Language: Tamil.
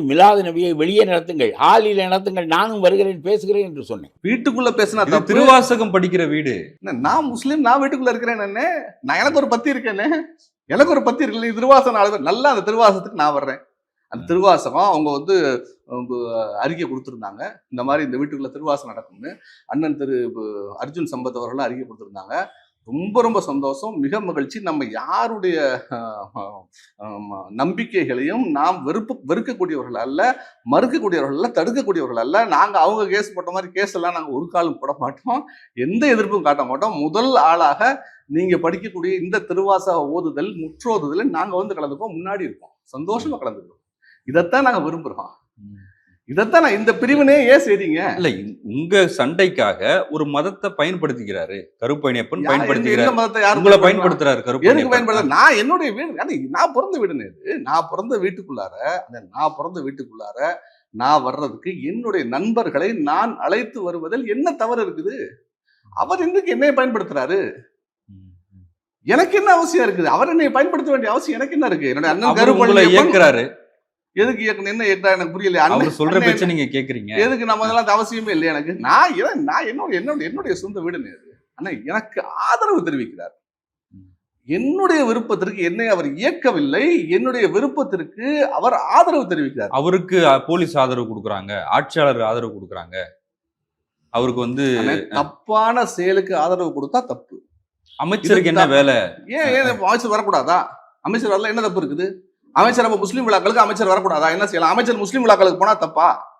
மிலாது நபியை வெளியே நடத்துங்கள், ஹாலில் நடத்துங்கள், நானும் வருகிறேன் பேசுகிறேன் என்று சொன்னேன். வீட்டுக்குள்ள பேசினா இது தப்பு. திருவாசகம் படிக்கிற வீடு. நான் முஸ்லீம், நான் வீட்டுக்குள்ள இருக்கிறேன். நான் எனக்கு ஒரு பத்தி இருக்கேன்னு, எனக்கு ஒரு பத்தி இருக்கு. திருவாசகம் ஆளுநர் நல்லா, அந்த திருவாசகத்துக்கு நான் வர்றேன். அந்த திருவாசகம் அவங்க அறிக்கை கொடுத்துருந்தாங்க, இந்த மாதிரி இந்த வீட்டுக்குள்ள திருவாசகம் நடக்கும்னு. அண்ணன் திரு அர்ஜுன் சம்பத் அவர்களும் அறிக்கை கொடுத்துருந்தாங்க. ரொம்ப ரொம்ப சந்தோஷம், மிக மகிழ்ச்சி. நம்ம யாருடைய நம்பிக்கைகளையும் நாம் வெறுக்கக்கூடியவர்கள் அல்ல, மறுக்கக்கூடியவர்கள் அல்ல, தடுக்கக்கூடியவர்கள் அல்ல. நாங்கள் அவங்க கேஸ் போட்ட மாதிரி கேஸ் எல்லாம் நாங்கள் ஒரு காலம் போட மாட்டோம், எந்த எதிர்ப்பும் காட்ட மாட்டோம். முதல் ஆளாக நீங்க படிக்கக்கூடிய இந்த திருவாசக ஓதுதல், முற்றோதுதல் நாங்கள் கலந்துப்போம், முன்னாடி இருக்கோம், சந்தோஷமா கலந்துக்கிறோம். இதைத்தான் நாங்கள் விரும்புகிறோம். இதைத்தான் நான் இந்த பிரிவினே ஏன் செய்றீங்க? இல்ல, உங்க சண்டைக்காக ஒரு மதத்தை பயன்படுத்திக்கிறாரு கருப்பையப்பன், பயன்படுத்திக்கிறாரு. உங்களை பயன்படுத்துறாரு எதுக்கு பயன்படுத்த? நான் என்னுடைய வீடு, நான் பிறந்த வீடுன்னு, நான் பிறந்த வீட்டுக்குள்ளார நான் வர்றதுக்கு என்னுடைய நண்பர்களை நான் அழைத்து வருவதில் என்ன தவறு இருக்குது? அவர் இன்னைக்கு என்னைய பயன்படுத்துறாரு, எனக்கு என்ன அவசியம் இருக்குது? அவர் என்னை பயன்படுத்த வேண்டிய அவசியம் எனக்கு என்ன இருக்கு? என்னுடைய அண்ணன் கருப்பை இயக்குறாரு, எதுக்கு இயக்கணும், என்ன இயக்குறா எனக்கு புரியல. அவர் சொல்ற பேச்ச நீங்க கேக்குறீங்க, எதுக்கு? நம்ம அதெல்லாம் அவசியமே இல்லை எனக்கு. நான் என்னுடைய சொந்த வீடுன்னு ஆனா எனக்கு ஆதரவு தெரிவிக்கிறார். என்னுடைய விருப்பத்திற்கு என்னை அவர் இயக்கவில்லை, என்னுடைய விருப்பத்திற்கு அவர் ஆதரவு தெரிவிக்கிறார். அவருக்கு போலீஸ் ஆதரவு கொடுக்குறாங்க, ஆட்சியாளர் ஆதரவு கொடுக்குறாங்க. அவருக்கு தப்பான செயலுக்கு ஆதரவு கொடுத்தா தப்பு. அமைச்சருக்கு என்ன வேலை? ஏன் அமைச்சர் வரக்கூடாதா? அமைச்சர் வரல, என்ன தப்பு இருக்குது? அமைச்சர் முஸ்லீம் விழாக்களுக்கு அமைச்சர் வரக்கூடாதா? என்ன செய்யலாம்? அமைச்சர் முஸ்லீம் விழாக்களுக்கு போனா தப்பா?